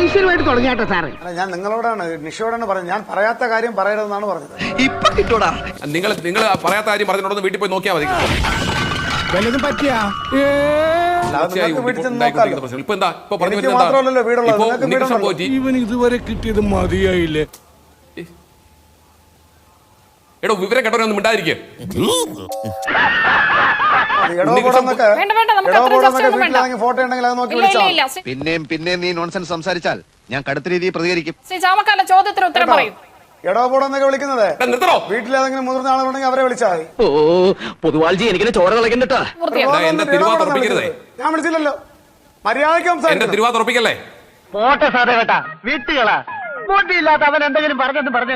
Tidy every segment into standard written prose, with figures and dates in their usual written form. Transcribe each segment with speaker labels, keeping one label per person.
Speaker 1: മനുഷ്യരുമായിട്ട് തുടങ്ങിയാട്ടോ sir.
Speaker 2: ഞാൻ നിങ്ങളോടാണ് നിഷയോടാണ് പറഞ്ഞത്, ഞാൻ പറയാത്ത കാര്യം പറയരുതെന്നാണ് പറഞ്ഞത്.
Speaker 3: ഇപ്പൊ കിട്ടൂടാ.
Speaker 4: നിങ്ങൾ പറയാത്ത കാര്യം പറഞ്ഞിട്ടുണ്ടെന്ന് വീട്ടിൽ പോയി നോക്കിയാൽ മതി.
Speaker 1: വല്ലതും പറ്റിയാ
Speaker 4: ഇവൻ
Speaker 1: ഇതുവരെ കിട്ടിയത് മതിയായില്ലേ?
Speaker 4: എടോ വിവരം കേട്ടവരൊന്നും മിണ്ടാതിരിക്കുക.
Speaker 2: ഫോട്ടോ ഉണ്ടെങ്കിൽ അത് നോക്കി വിളിച്ചാൽ.
Speaker 3: പിന്നെയും നീ നോൺസെൻസ് സംസാരിച്ചാൽ ഞാൻ കടുത്ത രീതിയിൽ പ്രതികരിക്കും.
Speaker 5: ചോദ്യത്തിന് ഉത്തരം പറയും.
Speaker 2: എടോപോടെന്നൊക്കെ വിളിക്കുന്നത് വീട്ടിലേതെങ്കിലും മുതിർന്ന ആളുകളുണ്ടെങ്കിൽ അവരെ വിളിച്ചാൽ മതി.
Speaker 1: പൊതുവാൾജി എനിക്ക് ചോര കളക്കണ്ടട്ടാ.
Speaker 2: ഞാൻ വിളിച്ചില്ലല്ലോ, മര്യാദയ്ക്ക്
Speaker 4: സംസാരിക്കല്ലേ.
Speaker 1: പോട്ടെ സാറേ കേട്ടാ, വീട്ടുകളാ ബോട്ടിയില്ലാത്ത അവൻ എന്തെങ്കിലും പറഞ്ഞെന്ന് പറഞ്ഞു.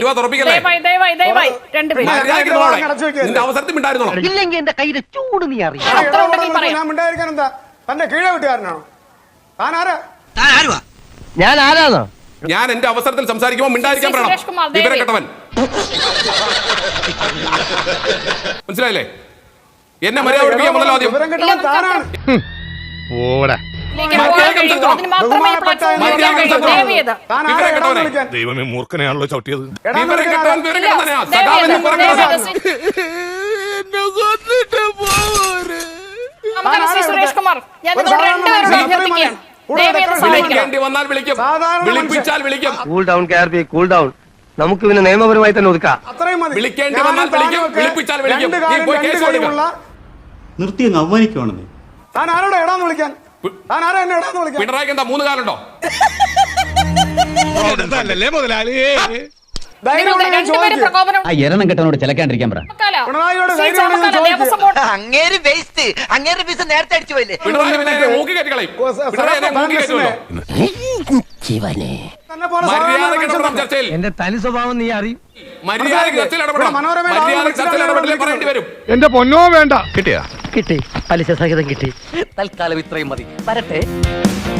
Speaker 4: ഇല്ലെങ്കിൽ
Speaker 1: എന്റെ കയ്യിലെ ചൂട് നീ അറിയാം.
Speaker 2: ഞാൻ മിണ്ടായിരിക്കാൻ എന്താ? തന്റെ കീഴ വീട്ടുകാരനാണോ താൻ? ആരാ
Speaker 1: ഞാൻ? ആരാന്നോ?
Speaker 4: ഞാൻ എന്റെ അവസരത്തിൽ സംസാരിക്കുമ്പോൾ മിണ്ടായിരിക്കാൻ പറയണം. വിവരം കേട്ടവൻ. മനസ്സിലായില്ലേ? എന്നെ മര്യാദ പഠിപ്പിക്കാൻ ആദ്യം.
Speaker 6: ദൈവമേ, മൂർഖനെയാണല്ലോ ചവിട്ടിയത്.
Speaker 5: സുരേഷ് കുമാർ, ഞാൻ അഭ്യർത്ഥിക്കുകയാണ്.
Speaker 1: Cool down. നമുക്ക് പിന്നെ നിയമപരമായി തന്നെ ഒതുക്കാം.
Speaker 4: വിളിക്കേണ്ടി വന്നാൽ വിളിക്കും, വിളിപ്പിച്ചാൽ വിളിക്കും.
Speaker 7: നിർത്തി അങ്ങ് അവമാനിക്കുവാണെന്നേ.
Speaker 2: താൻ ആരോടെ എടാന്ന് വിളിക്കാൻ? താൻ ആരാ എന്നെ എടാന്ന് വിളിക്കാൻ?
Speaker 4: പിണറായിക്ക് എന്താ 3 കാലുണ്ടോ?
Speaker 1: എരണം കെട്ടനോട് ചിലക്കാണ്ടിരിക്കാൻ പറ.
Speaker 3: അങ്ങേര് വേസ്റ്റ്, അങ്ങേര് പീസ് നേരത്തെ അടിച്ചു പോയില്ലേ?
Speaker 1: എന്റെ തനി സ്വഭാവം നീ അറിയും.
Speaker 6: എന്റെ പൊന്നോ വേണ്ട.
Speaker 1: കിട്ടി, പലിശ സഹിതം കിട്ടി. തൽക്കാലം ഇത്രയും മതി. വരട്ടെ.